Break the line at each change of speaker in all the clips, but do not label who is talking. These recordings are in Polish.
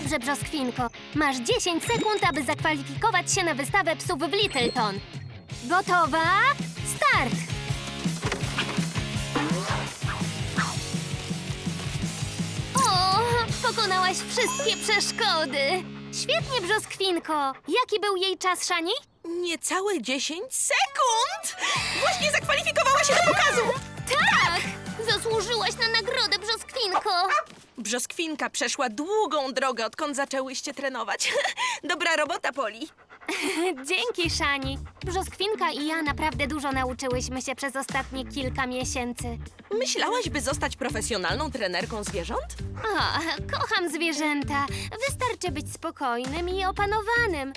Dobrze, Brzoskwinko. Masz 10 sekund, aby zakwalifikować się na wystawę psów w Littleton. Gotowa? Start! O, pokonałaś wszystkie przeszkody. Świetnie, Brzoskwinko. Jaki był jej czas, Szani?
Niecałe 10 sekund! Właśnie zakwalifikowała się do pokazu!
Tak! Zasłużyłaś na nagrodę, Brzoskwinko.
Brzoskwinka przeszła długą drogę, odkąd zaczęłyście trenować. Dobra robota, Poli.
Dzięki, Szani. Brzoskwinka i ja naprawdę dużo nauczyłyśmy się przez ostatnie kilka miesięcy.
Myślałaś, by zostać profesjonalną trenerką zwierząt?
O, kocham zwierzęta. Wystarczy być spokojnym i opanowanym.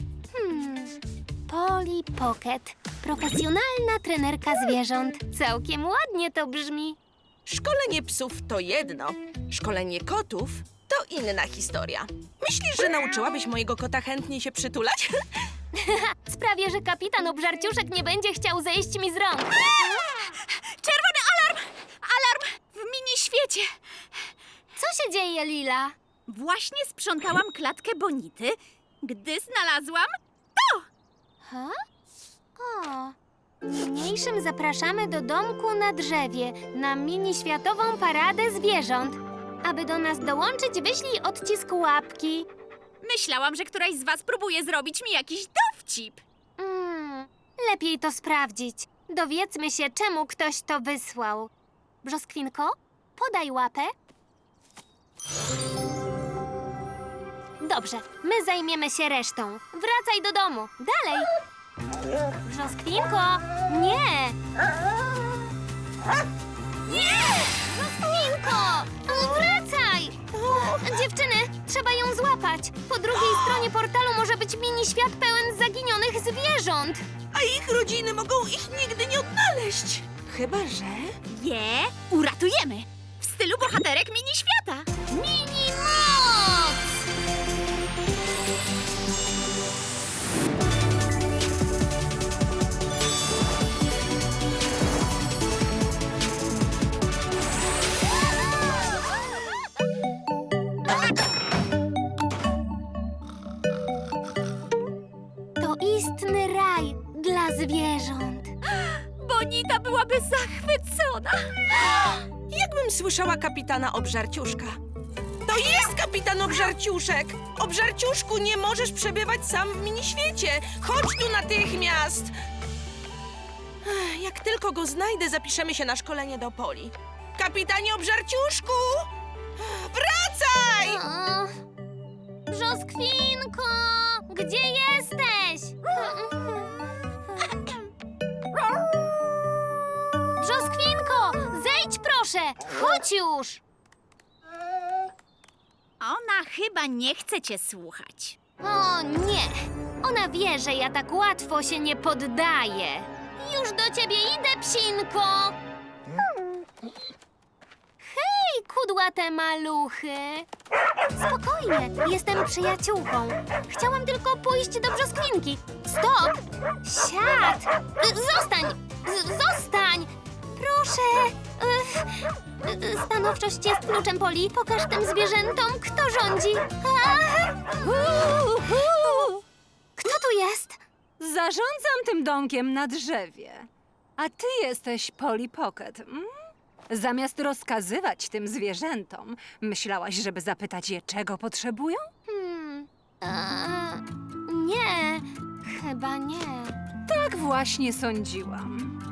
Polly Pocket. Profesjonalna trenerka zwierząt. Całkiem ładnie to brzmi.
Szkolenie psów to jedno, szkolenie kotów to inna historia. Myślisz, że nauczyłabyś mojego kota chętnie się przytulać?
Sprawię, że kapitan Obżarciuszek nie będzie chciał zejść mi z rąk.
Czerwony alarm! Alarm w mini-świecie!
Co się dzieje, Lila?
Właśnie sprzątałam klatkę Bonity, gdy znalazłam to!
Ha? O. Niniejszym zapraszamy do domku na drzewie na mini-światową paradę zwierząt. Aby do nas dołączyć, wyślij odcisk łapki.
Myślałam, że któraś z was próbuje zrobić mi jakiś dowcip.
Lepiej to sprawdzić. Dowiedzmy się, czemu ktoś to wysłał. Brzoskwinko, podaj łapę. Dobrze, my zajmiemy się resztą. Wracaj do domu. Dalej. Brzoskwinko, nie! Nie! Brzoskwinko! Wracaj! Dziewczyny, trzeba ją złapać. Po drugiej stronie portalu może być mini-świat pełen zaginionych zwierząt.
A ich rodziny mogą ich nigdy nie odnaleźć. Chyba, że...
Je uratujemy! W stylu bohaterek mini-świata!
Mini-moc! To istny raj dla zwierząt.
Bonita byłaby zachwycona!
Jakbym słyszała kapitana Obżarciuszka. To jest kapitan Obżarciuszek! Obżarciuszku, nie możesz przebywać sam w miniświecie! Chodź tu natychmiast! Jak tylko go znajdę, zapiszemy się na szkolenie do Poli. Kapitanie Obżarciuszku! Wracaj!
O, Brzoskwinko, gdzie jesteś? Brzoskwinko, zejdź proszę! Chodź już!
Ona chyba nie chce cię słuchać.
O nie! Ona wie, że ja tak łatwo się nie poddaję. Już do ciebie idę, psinko! Hej, kudłate maluchy! Spokojnie, jestem przyjaciółką. Chciałam tylko pójść do Brzoskwinki. Stop! Siad! Zostań! Zostań! Proszę! Stanowczość jest kluczem, Poli. Pokaż tym zwierzętom, kto rządzi. Kto tu jest?
Zarządzam tym domkiem na drzewie. A ty jesteś Polly Pocket. Zamiast rozkazywać tym zwierzętom, myślałaś, żeby zapytać je, czego potrzebują?
Nie, chyba nie.
Tak właśnie sądziłam.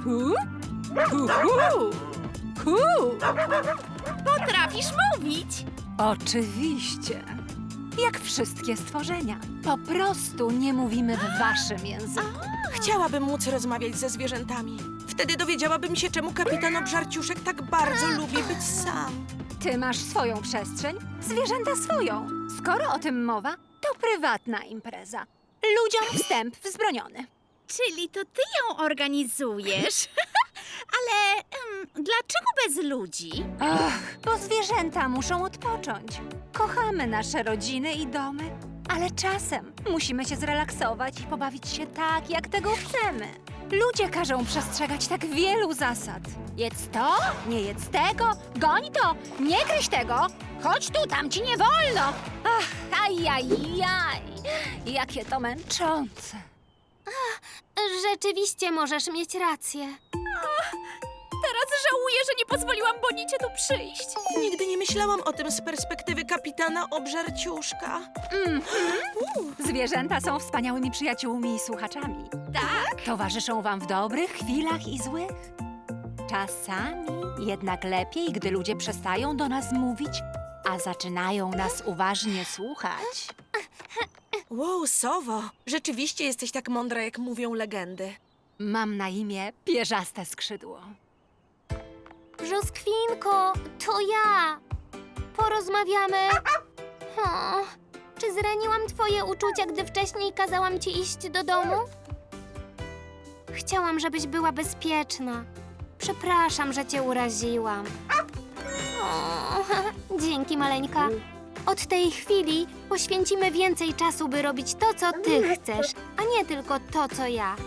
Ku.
Potrafisz mówić?
Oczywiście. Jak wszystkie stworzenia. Po prostu nie mówimy w waszym języku.
Chciałabym móc rozmawiać ze zwierzętami. Wtedy dowiedziałabym się, czemu kapitan Obżarciuszek tak bardzo lubi być sam.
Ty masz swoją przestrzeń, zwierzęta swoją. Skoro o tym mowa, to prywatna impreza. Ludziom wstęp wzbroniony.
Czyli to ty ją organizujesz? Ale dlaczego bez ludzi?
Ach, bo zwierzęta muszą odpocząć. Kochamy nasze rodziny i domy, ale czasem musimy się zrelaksować i pobawić się tak, jak tego chcemy. Ludzie każą przestrzegać tak wielu zasad. Jedz to, nie jedz tego, goń to, nie gryź tego, chodź tu, tam ci nie wolno. Ach, Ajajaj, jakie to męczące.
Rzeczywiście możesz mieć rację.
Teraz żałuję, że nie pozwoliłam Bonicie tu przyjść.
Nigdy nie myślałam o tym z perspektywy kapitana Obżarciuszka.
Zwierzęta są wspaniałymi przyjaciółmi i słuchaczami.
Tak?
Towarzyszą wam w dobrych chwilach i złych. Czasami jednak lepiej, gdy ludzie przestają do nas mówić, a zaczynają nas uważnie słuchać.
Wow, Sowo, rzeczywiście jesteś tak mądra, jak mówią legendy.
Mam na imię Pierzaste Skrzydło.
Brzoskwinko, to ja. Porozmawiamy. O, czy zraniłam twoje uczucia, gdy wcześniej kazałam ci iść do domu? Chciałam, żebyś była bezpieczna. Przepraszam, że cię uraziłam. O, dzięki, maleńka. Od tej chwili poświęcimy więcej czasu, by robić to, co ty chcesz, a nie tylko to, co ja.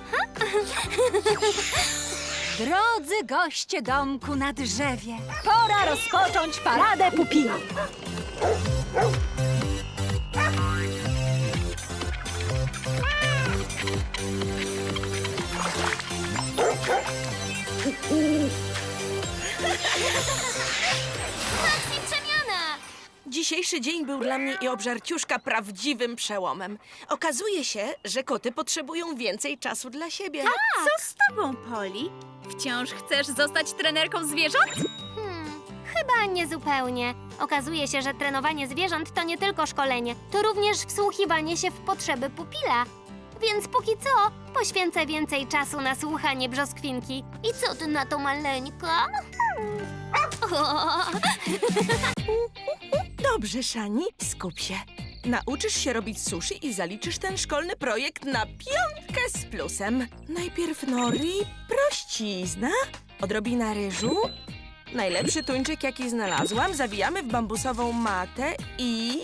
Drodzy goście domku na drzewie, pora rozpocząć paradę pupili.
Akcji przemiana!
Dzisiejszy dzień był dla mnie i Obżarciuszka prawdziwym przełomem. Okazuje się, że koty potrzebują więcej czasu dla siebie.
Co z tobą, Poli? Wciąż chcesz zostać trenerką zwierząt?
Chyba niezupełnie. Okazuje się, że trenowanie zwierząt to nie tylko szkolenie, to również wsłuchiwanie się w potrzeby pupila. Więc póki co poświęcę więcej czasu na słuchanie brzoskwinki. I co ty na to, maleńka? O,
Dobrze, Szani, skup się. Nauczysz się robić sushi i zaliczysz ten szkolny projekt na 5 z plusem. Najpierw nori, prościzna, odrobina ryżu, najlepszy tuńczyk, jaki znalazłam, zawijamy w bambusową matę i...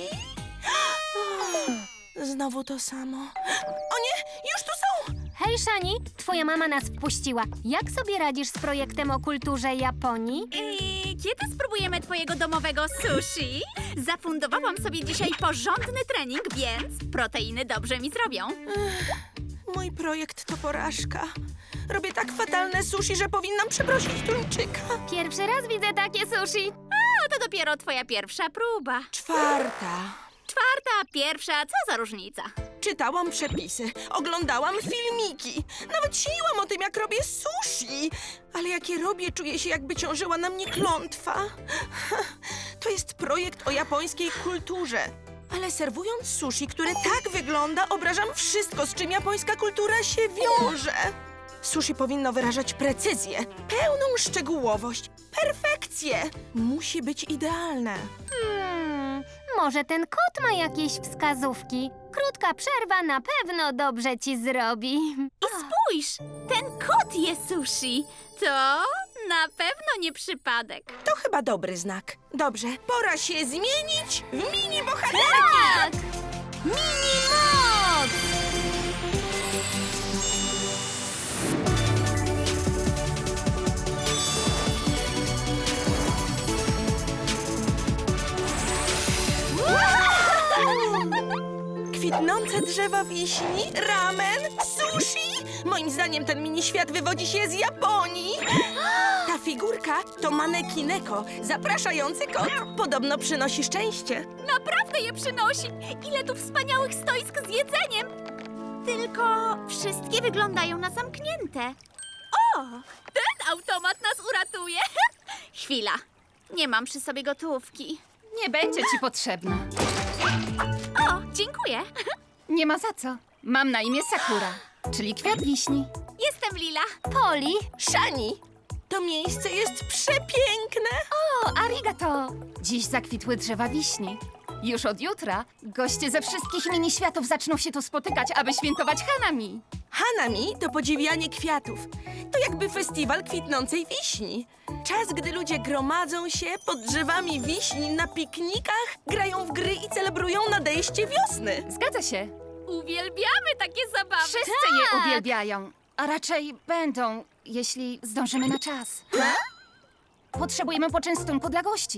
Znowu to samo. O nie, już tu są!
Hej, Shani, twoja mama nas wpuściła. Jak sobie radzisz z projektem o kulturze Japonii?
Kiedy spróbujemy twojego domowego sushi? Zafundowałam sobie dzisiaj porządny trening, więc proteiny dobrze mi zrobią.
Mój projekt to porażka. Robię tak fatalne sushi, że powinnam przeprosić tuńczyka.
Pierwszy raz widzę takie sushi.
A to dopiero twoja pierwsza próba.
4.
Czwarta, pierwsza, co za różnica?
Czytałam przepisy, oglądałam filmiki, nawet śniłam o tym, jak robię sushi. Ale jak je robię, czuję się, jakby ciążyła na mnie klątwa. To jest projekt o japońskiej kulturze. Ale serwując sushi, które tak wygląda, obrażam wszystko, z czym japońska kultura się wiąże. Sushi powinno wyrażać precyzję, pełną szczegółowość, perfekcję. Musi być idealne.
Może ten kot ma jakieś wskazówki. Krótka przerwa na pewno dobrze ci zrobi.
I spójrz, ten kot je sushi. To na pewno nie przypadek.
To chyba dobry znak. Dobrze, pora się zmienić w mini bohaterki!
Tak! Mini moc!
Kwitnące drzewa wiśni, ramen, sushi. Moim zdaniem ten mini świat wywodzi się z Japonii. Ta figurka to manekineko, zapraszający kot. Podobno przynosi szczęście.
Naprawdę je przynosi. Ile tu wspaniałych stoisk z jedzeniem. Tylko wszystkie wyglądają na zamknięte. O, ten automat nas uratuje. Chwila, nie mam przy sobie gotówki.
Nie będzie ci potrzebna.
O, dziękuję.
Nie ma za co. Mam na imię Sakura, czyli kwiat wiśni.
Jestem Lila.
Poli,
Szani, to miejsce jest przepiękne.
O, arigato! Dziś zakwitły drzewa wiśni. Już od jutra goście ze wszystkich mini światów zaczną się tu spotykać, aby świętować Hanami.
Hanami to podziwianie kwiatów. To jakby festiwal kwitnącej wiśni. Czas, gdy ludzie gromadzą się pod drzewami wiśni na piknikach, grają w gry i celebrują nadejście wiosny.
Zgadza się.
Uwielbiamy takie zabawy.
Wszyscy je uwielbiają. A raczej będą, jeśli zdążymy na czas. Potrzebujemy poczęstunku dla gości.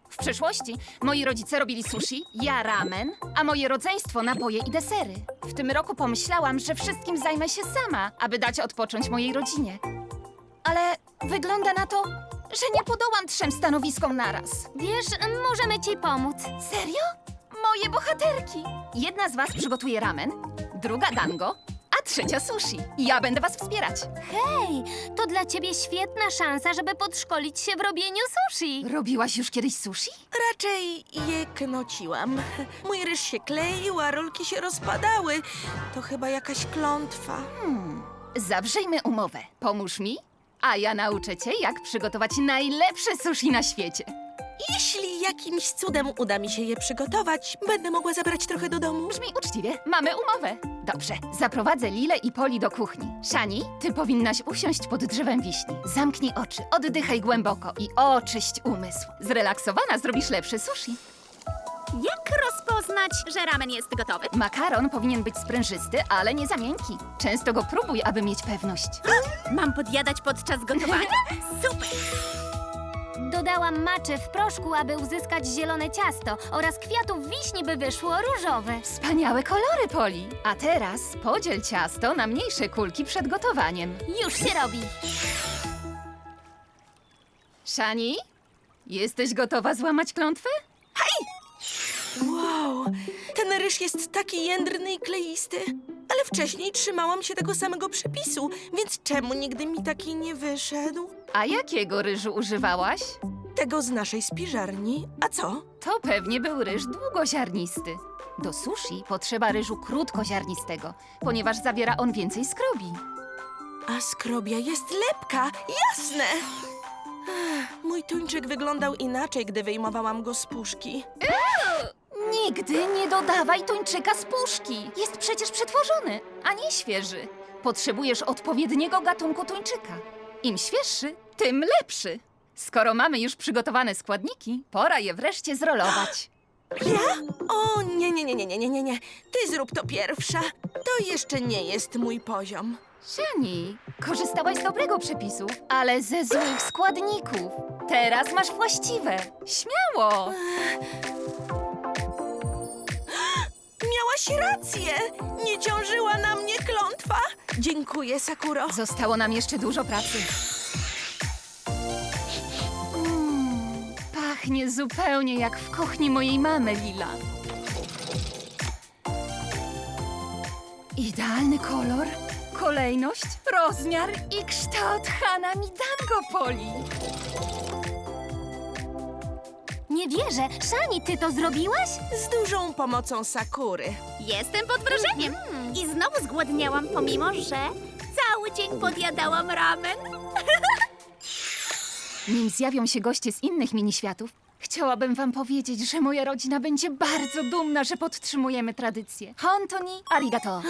W przeszłości moi rodzice robili sushi, ja ramen, a moje rodzeństwo napoje i desery. W tym roku pomyślałam, że wszystkim zajmę się sama, aby dać odpocząć mojej rodzinie. Ale wygląda na to, że nie podołam 3 stanowiskom naraz.
Wiesz, możemy ci pomóc.
Serio? Moje bohaterki! Jedna z was przygotuje ramen, druga dango, a trzecia sushi. Ja będę was wspierać.
Hej, to dla ciebie świetna szansa, żeby podszkolić się w robieniu sushi.
Robiłaś już kiedyś sushi?
Raczej je knociłam. Mój ryż się kleił, a rolki się rozpadały. To chyba jakaś klątwa.
Zawrzyjmy umowę. Pomóż mi, a ja nauczę cię, jak przygotować najlepsze sushi na świecie.
Jeśli jakimś cudem uda mi się je przygotować, będę mogła zabrać trochę do domu.
Brzmi uczciwie. Mamy umowę. Dobrze, zaprowadzę Lilę i Poli do kuchni. Shani, ty powinnaś usiąść pod drzewem wiśni. Zamknij oczy, oddychaj głęboko i oczyść umysł. Zrelaksowana zrobisz lepsze sushi.
Jak rozpoznać, że ramen jest gotowy?
Makaron powinien być sprężysty, ale nie za miękki. Często go próbuj, aby mieć pewność.
Mam podjadać podczas gotowania? Super!
Dodałam maczy w proszku, aby uzyskać zielone ciasto oraz kwiatów wiśni, by wyszło różowe.
Wspaniałe kolory, Poli. A teraz podziel ciasto na mniejsze kulki przed gotowaniem.
Już się robi.
Shani, jesteś gotowa złamać klątwę?
Wow, ten ryż jest taki jędrny i kleisty. Ale wcześniej trzymałam się tego samego przepisu, więc czemu nigdy mi taki nie wyszedł?
A jakiego ryżu używałaś?
Tego z naszej spiżarni. A co?
To pewnie był ryż długoziarnisty. Do sushi potrzeba ryżu krótkoziarnistego, ponieważ zawiera on więcej skrobi.
A skrobia jest lepka, jasne! Mój tuńczyk wyglądał inaczej, gdy wyjmowałam go z puszki.
Nigdy nie dodawaj tuńczyka z puszki. Jest przecież przetworzony, a nie świeży. Potrzebujesz odpowiedniego gatunku tuńczyka. Im świeższy, tym lepszy. Skoro mamy już przygotowane składniki, pora je wreszcie zrolować.
O, nie. Ty zrób to pierwsza. To jeszcze nie jest mój poziom.
Shani, korzystałaś z dobrego przepisu, ale ze złych składników. Teraz masz właściwe. Śmiało!
Miałaś rację! Nie ciążyła na mnie klątwa. Dziękuję, Sakuro.
Zostało nam jeszcze dużo pracy. Pachnie zupełnie jak w kuchni mojej mamy, Lila. Idealny kolor, kolejność, rozmiar i kształt Hanami Dango, Poli.
Nie wierzę. Shani, ty to zrobiłaś?
Z dużą pomocą Sakury.
Jestem pod wrażeniem. I znowu zgłodniałam, pomimo że cały dzień podjadałam ramen.
Nim zjawią się goście z innych miniświatów, chciałabym wam powiedzieć, że moja rodzina będzie bardzo dumna, że podtrzymujemy tradycję. Hontoni arigato.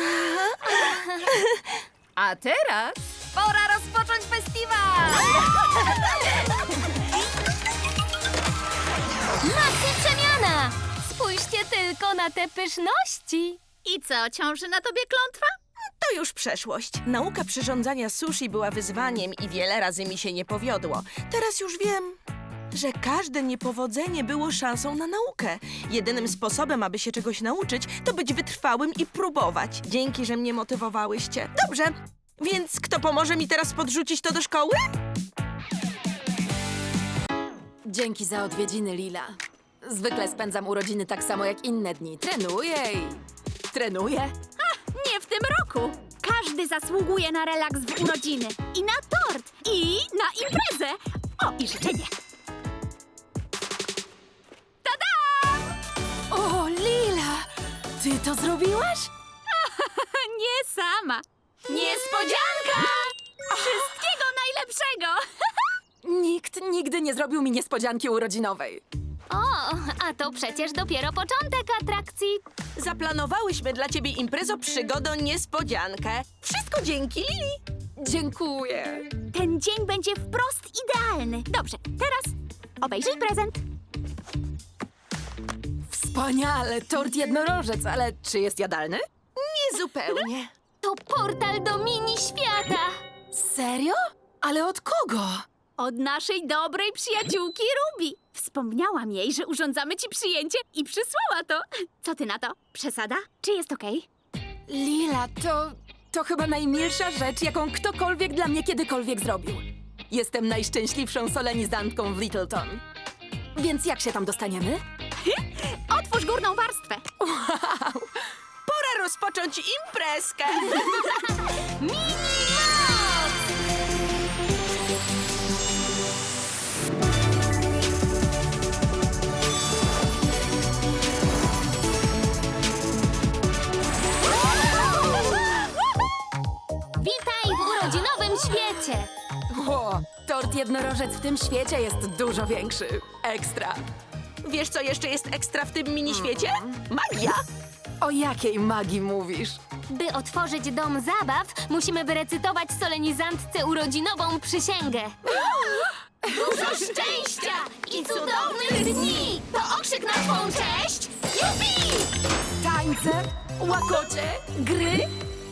A teraz pora rozpocząć festiwal!
Macie przemiana! Spójrzcie tylko na te pyszności.
I co, ciąży na tobie klątwa?
To już przeszłość. Nauka przyrządzania sushi była wyzwaniem i wiele razy mi się nie powiodło. Teraz już wiem, że każde niepowodzenie było szansą na naukę. Jedynym sposobem, aby się czegoś nauczyć, to być wytrwałym i próbować. Dzięki, że mnie motywowałyście. Dobrze, więc kto pomoże mi teraz podrzucić to do szkoły?
Dzięki za odwiedziny, Lila. Zwykle spędzam urodziny tak samo jak inne dni. Trenuję i trenuję.
Nie w tym roku. Każdy zasługuje na relaks w urodziny. I na tort. I na imprezę. O, i życzenie.
O, Lila! Ty to zrobiłaś?
Nie sama. Niespodzianka! Wszystkiego najlepszego!
Nikt nigdy nie zrobił mi niespodzianki urodzinowej.
O, a to przecież dopiero początek atrakcji.
Zaplanowałyśmy dla ciebie imprezo przygodą niespodziankę. Wszystko dzięki Lili.
Dziękuję.
Ten dzień będzie wprost idealny. Dobrze, teraz obejrzyj prezent.
Wspaniale, tort jednorożec, ale czy jest jadalny?
Niezupełnie.
To portal do mini świata.
Serio? Ale od kogo?
Od naszej dobrej przyjaciółki Ruby. Wspomniałam jej, że urządzamy ci przyjęcie i przysłała to. Co ty na to? Przesada? Czy jest okej?
Lila, to chyba najmilsza rzecz, jaką ktokolwiek dla mnie kiedykolwiek zrobił. Jestem najszczęśliwszą solenizantką w Littleton. Więc jak się tam dostaniemy?
Otwórz górną warstwę.
Pora rozpocząć imprezkę.
Witaj w urodzinowym świecie!
O, tort jednorożec w tym świecie jest dużo większy. Ekstra.
Wiesz, co jeszcze jest ekstra w tym miniświecie? Magia.
O jakiej magii mówisz?
By otworzyć dom zabaw, musimy wyrecytować solenizantce urodzinową przysięgę. Dużo szczęścia i cudownych dni! To okrzyk na twą cześć! Jupi!
Tańce, łakocie, gry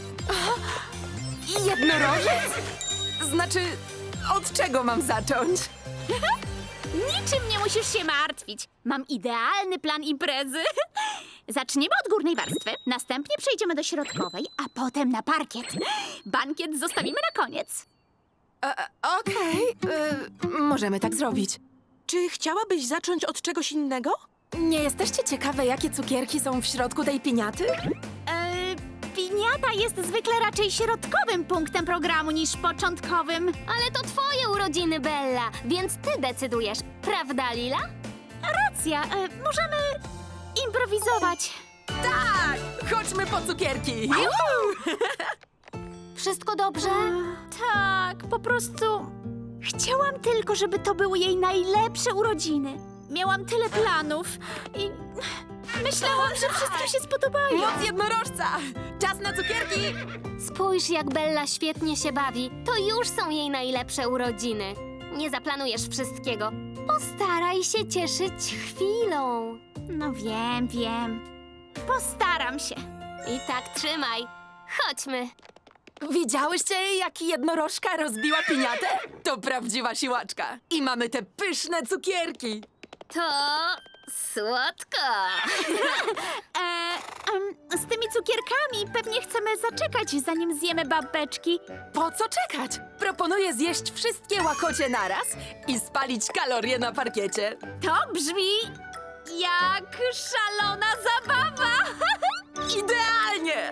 i jednorożec? Znaczy, od czego mam zacząć?
Niczym nie musisz się martwić. Mam idealny plan imprezy. Zaczniemy od górnej warstwy, następnie przejdziemy do środkowej, a potem na parkiet. Bankiet zostawimy na koniec.
Okej, możemy tak zrobić.
Czy chciałabyś zacząć od czegoś innego?
Nie jesteście ciekawe, jakie cukierki są w środku tej piniaty?
Piniata jest zwykle raczej środkowym punktem programu niż początkowym.
Ale to twoje urodziny, Bella, więc ty decydujesz, prawda, Lila?
Racja, możemy improwizować.
Tak! Chodźmy po cukierki!
Wszystko dobrze?
Tak, po prostu chciałam tylko, żeby to były jej najlepsze urodziny. Miałam tyle planów i myślałam, że wszystkim się spodobają.
Moc jednorożca! Czas na cukierki!
Spójrz, jak Bella świetnie się bawi. To już są jej najlepsze urodziny. Nie zaplanujesz wszystkiego. Postaraj się cieszyć chwilą.
No wiem. Postaram się.
I tak trzymaj. Chodźmy.
Widziałyście, jak jednorożka rozbiła piniatę? To prawdziwa siłaczka. I mamy te pyszne cukierki.
To słodko.
Z tymi cukierkami pewnie chcemy zaczekać, zanim zjemy babeczki.
Po co czekać? Proponuję zjeść wszystkie łakocie naraz i spalić kalorie na parkiecie.
To brzmi jak szalona zabawa.
Idealnie!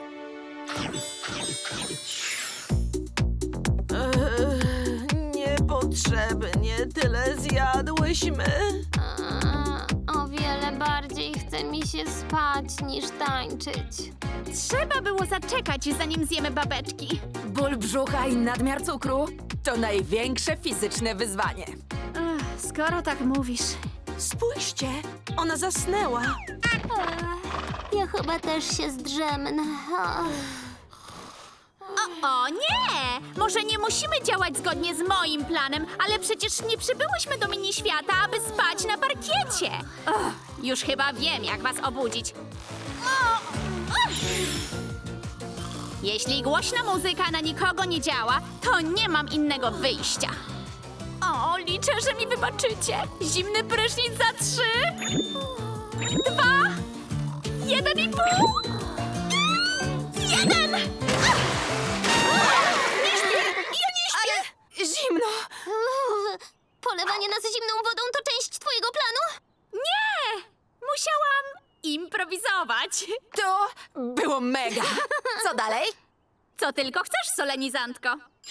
Niepotrzebnie tyle zjadłyśmy.
O wiele bardziej chce mi się spać niż tańczyć.
Trzeba było zaczekać, zanim zjemy babeczki.
Ból brzucha i nadmiar cukru to największe fizyczne wyzwanie.
Skoro tak mówisz.
Spójrzcie, ona zasnęła.
Ja chyba też się zdrzemnę.
O nie! Może nie musimy działać zgodnie z moim planem, ale przecież nie przybyłyśmy do miniświata, aby spać na parkiecie. Już chyba wiem, jak was obudzić. Jeśli głośna muzyka na nikogo nie działa, to nie mam innego wyjścia. O, liczę, że mi wybaczycie. Zimny prysznic za 3, 2, 1,5, 1!
Zimno!
Polewanie nas zimną wodą to część twojego planu?
Nie! Musiałam improwizować.
To było mega. Co dalej?
Co tylko chcesz, solenizantko.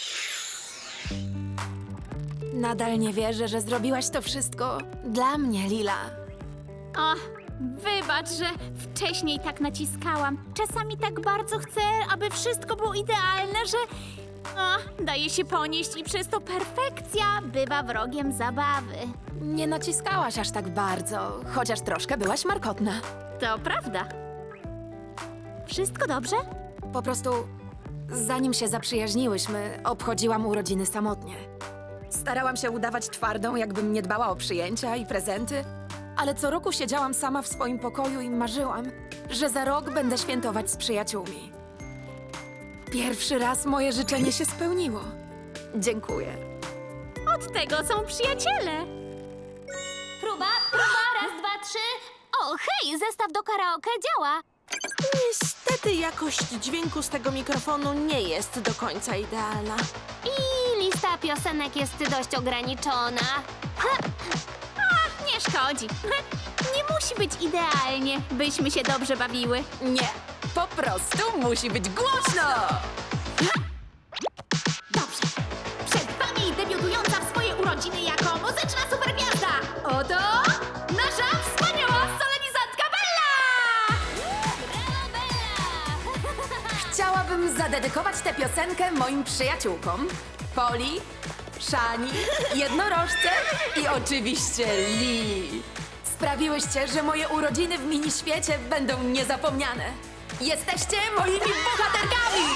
Nadal nie wierzę, że zrobiłaś to wszystko dla mnie, Lila.
O, wybacz, że wcześniej tak naciskałam. Czasami tak bardzo chcę, aby wszystko było idealne, że daje się ponieść i przez to perfekcja bywa wrogiem zabawy.
Nie naciskałaś aż tak bardzo, chociaż troszkę byłaś markotna.
To prawda. Wszystko dobrze?
Po prostu, zanim się zaprzyjaźniłyśmy, obchodziłam urodziny samotnie. Starałam się udawać twardą, jakbym nie dbała o przyjęcia i prezenty, ale co roku siedziałam sama w swoim pokoju i marzyłam, że za rok będę świętować z przyjaciółmi. Pierwszy raz moje życzenie się spełniło. Dziękuję.
Od tego są przyjaciele.
Próba, raz, dwa, trzy. O, hej, zestaw do karaoke działa.
Niestety jakość dźwięku z tego mikrofonu nie jest do końca idealna.
I lista piosenek jest dość ograniczona.
Nie szkodzi. Nie musi być idealnie, byśmy się dobrze bawiły.
Nie, po prostu musi być głośno!
Dobrze. Przed wami debiutująca w swoje urodziny jako muzyczna supergwiazda. Oto nasza wspaniała solenizantka Bella!
Brawo, Bella!
Chciałabym zadedykować tę piosenkę moim przyjaciółkom. Poli, Szani, jednorożce i oczywiście Lili. Sprawiłyście, że moje urodziny w miniświecie będą niezapomniane. Jesteście moimi bohaterkami!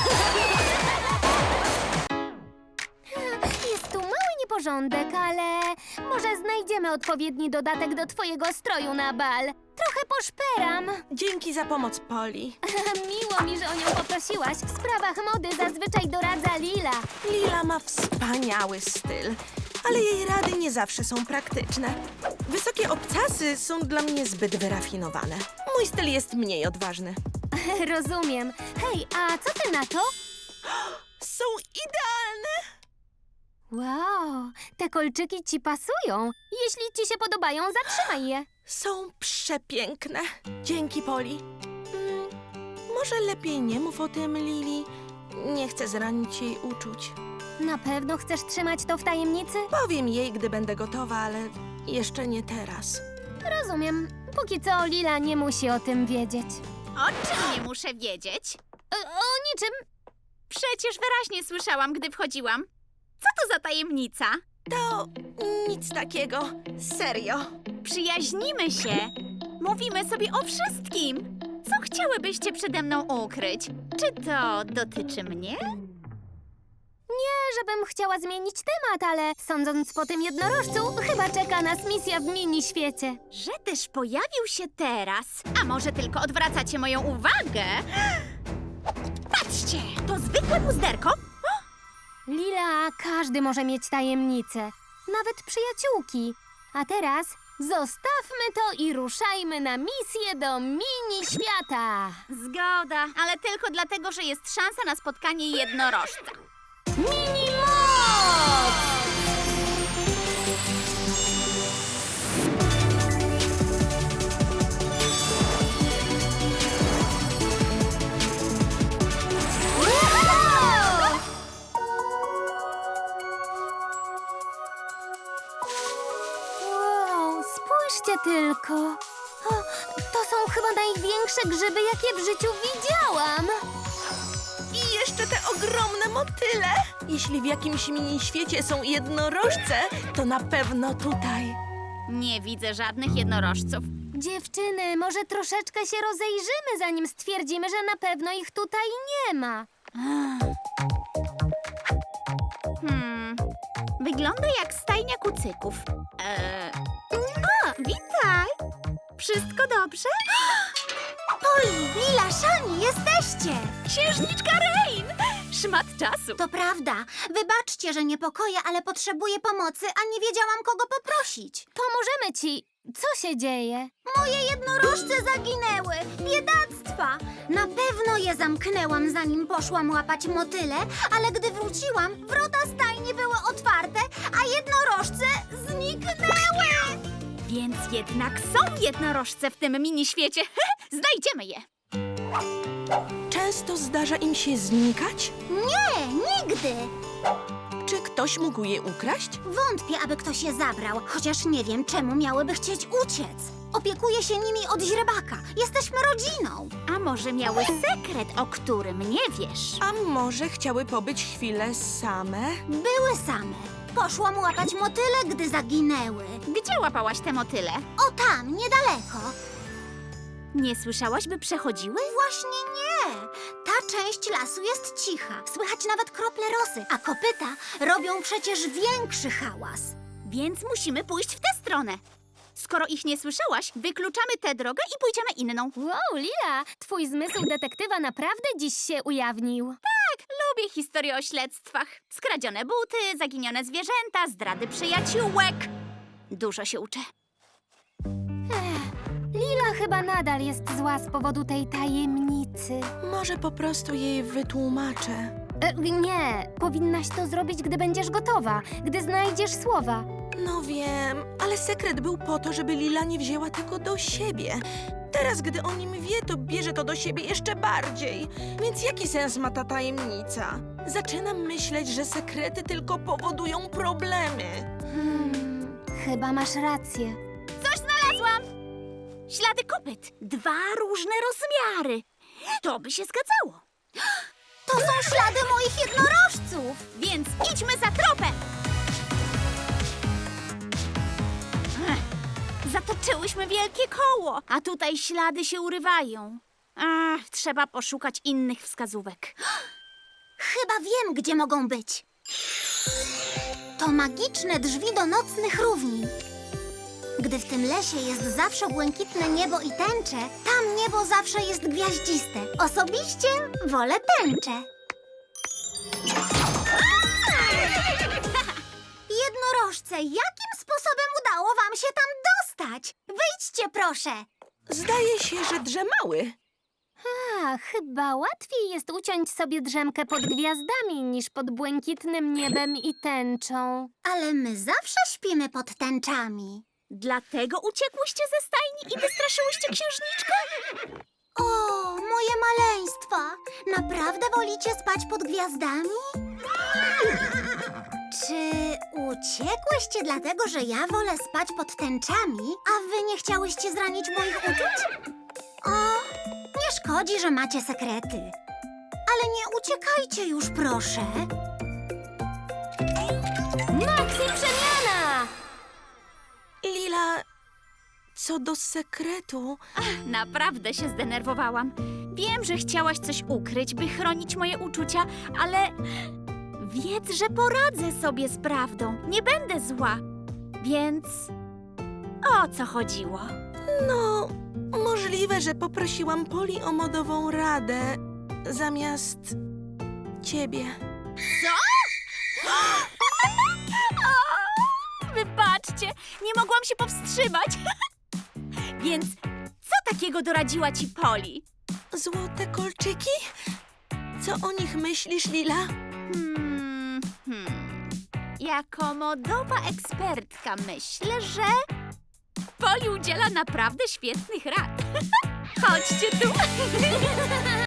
Jest tu mały nieporządek, ale może znajdziemy odpowiedni dodatek do twojego stroju na bal. Trochę poszperam.
Dzięki za pomoc, Poli.
Miło mi, że o nią poprosiłaś. W sprawach mody zazwyczaj doradza Lila.
Lila ma wspaniały styl, ale jej rady nie zawsze są praktyczne. Wysokie obcasy są dla mnie zbyt wyrafinowane. Mój styl jest mniej odważny.
Rozumiem. Hej, a co ty na to?
Są idealne!
Wow, te kolczyki ci pasują. Jeśli ci się podobają, zatrzymaj je.
Są przepiękne. Dzięki, Poli. Może lepiej nie mów o tym, Lili. Nie chcę zranić jej uczuć.
Na pewno chcesz trzymać to w tajemnicy?
Powiem jej, gdy będę gotowa, ale jeszcze nie teraz.
Rozumiem. Póki co Lila nie musi o tym wiedzieć.
O czym nie muszę wiedzieć?
O niczym.
Przecież wyraźnie słyszałam, gdy wchodziłam. Co to za tajemnica?
To nic takiego. Serio.
Przyjaźnimy się. Mówimy sobie o wszystkim. Co chciałybyście przede mną ukryć? Czy to dotyczy mnie?
Nie, żebym chciała zmienić temat, ale sądząc po tym jednorożcu, chyba czeka nas misja w mini-świecie.
Że też pojawił się teraz. A może tylko odwracacie moją uwagę? Patrzcie, to zwykłe puzderko.
Lila, każdy może mieć tajemnicę. Nawet przyjaciółki. A teraz zostawmy to i ruszajmy na misję do mini-świata.
Zgoda, ale tylko dlatego, że jest szansa na spotkanie jednorożca.
Mini-moc! Wow, spójrzcie tylko. O, to są chyba największe grzyby, jakie w życiu widziałam.
I jeszcze te ogromne motyle. Jeśli w jakimś mini-świecie są jednorożce, to na pewno tutaj.
Nie widzę żadnych jednorożców.
Dziewczyny, może troszeczkę się rozejrzymy, zanim stwierdzimy, że na pewno ich tutaj nie ma.
Wygląda jak stajnia kucyków. O, witaj! Wszystko dobrze?
Poli, Lila, Szani, jesteście!
Księżniczka Rain! Szmat czasu.
To prawda. Wybaczcie, że niepokoję, ale potrzebuję pomocy, a nie wiedziałam, kogo poprosić.
Pomożemy ci. Co się dzieje?
Moje jednorożce zaginęły. Biedactwa. Na pewno je zamknęłam, zanim poszłam łapać motyle, ale gdy wróciłam, wrota stajni były otwarte, a jednorożce zniknęły.
Więc jednak są jednorożce w tym mini-świecie. Znajdziemy je.
Często zdarza im się znikać?
Nie, nigdy.
Czy ktoś mógł je ukraść?
Wątpię, aby ktoś je zabrał, chociaż nie wiem, czemu miałyby chcieć uciec. Opiekuję się nimi od źrebaka. Jesteśmy rodziną.
A może miały sekret, o którym nie wiesz?
A może chciały pobyć chwilę same?
Były same. Poszłam łapać motyle, gdy zaginęły.
Gdzie łapałaś te motyle?
O tam, niedaleko.
Nie słyszałaś, by przechodziły?
Właśnie nie. Ta część lasu jest cicha. Słychać nawet krople rosy, a kopyta robią przecież większy hałas.
Więc musimy pójść w tę stronę. Skoro ich nie słyszałaś, wykluczamy tę drogę i pójdziemy inną.
Wow, Lila, twój zmysł detektywa naprawdę dziś się ujawnił.
Lubię historię o śledztwach. Skradzione buty, zaginione zwierzęta, zdrady przyjaciółek. Dużo się uczę.
Lila chyba nadal jest zła z powodu tej tajemnicy.
Może po prostu jej wytłumaczę.
Nie, powinnaś to zrobić, gdy będziesz gotowa, gdy znajdziesz słowa.
No wiem, ale sekret był po to, żeby Lila nie wzięła tego do siebie. Teraz, gdy o nim wie, to bierze to do siebie jeszcze bardziej. Więc jaki sens ma ta tajemnica? Zaczynam myśleć, że sekrety tylko powodują problemy.
Chyba masz rację.
Coś znalazłam! Ślady kopyt. 2 różne rozmiary. To by się zgadzało.
To są ślady moich jednorożców.
Więc idźmy za tropem! Zatoczyłyśmy wielkie koło, a tutaj ślady się urywają. Trzeba poszukać innych wskazówek.
Chyba wiem, gdzie mogą być. To magiczne drzwi do nocnych równin. Gdy w tym lesie jest zawsze błękitne niebo i tęcze, tam niebo zawsze jest gwiaździste. Osobiście wolę tęczę. Jednorożce, jakim sposobem udało wam się tam dostać? Wyjdźcie, proszę.
Zdaje się, że drzemały.
Chyba łatwiej jest uciąć sobie drzemkę pod gwiazdami niż pod błękitnym niebem i tęczą.
Ale my zawsze śpimy pod tęczami.
Dlatego uciekłyście ze stajni i wystraszyłyście księżniczkę?
O, moje maleństwa! Naprawdę wolicie spać pod gwiazdami? Czy uciekłyście dlatego, że ja wolę spać pod tęczami, a wy nie chciałyście zranić moich uczuć? O, nie szkodzi, że macie sekrety. Ale nie uciekajcie już, proszę.
Maxi przemiana!
Lila, co do sekretu...
Naprawdę się zdenerwowałam. Wiem, że chciałaś coś ukryć, by chronić moje uczucia, ale wiedz, że poradzę sobie z prawdą. Nie będę zła. Więc o co chodziło?
No, możliwe, że poprosiłam Poli o modową radę zamiast ciebie.
Wybaczcie, nie mogłam się powstrzymać. Więc co takiego doradziła ci Poli?
Złote kolczyki? Co o nich myślisz, Lila?
Jako modowa ekspertka myślę, że Poli udziela naprawdę świetnych rad. Chodźcie tu.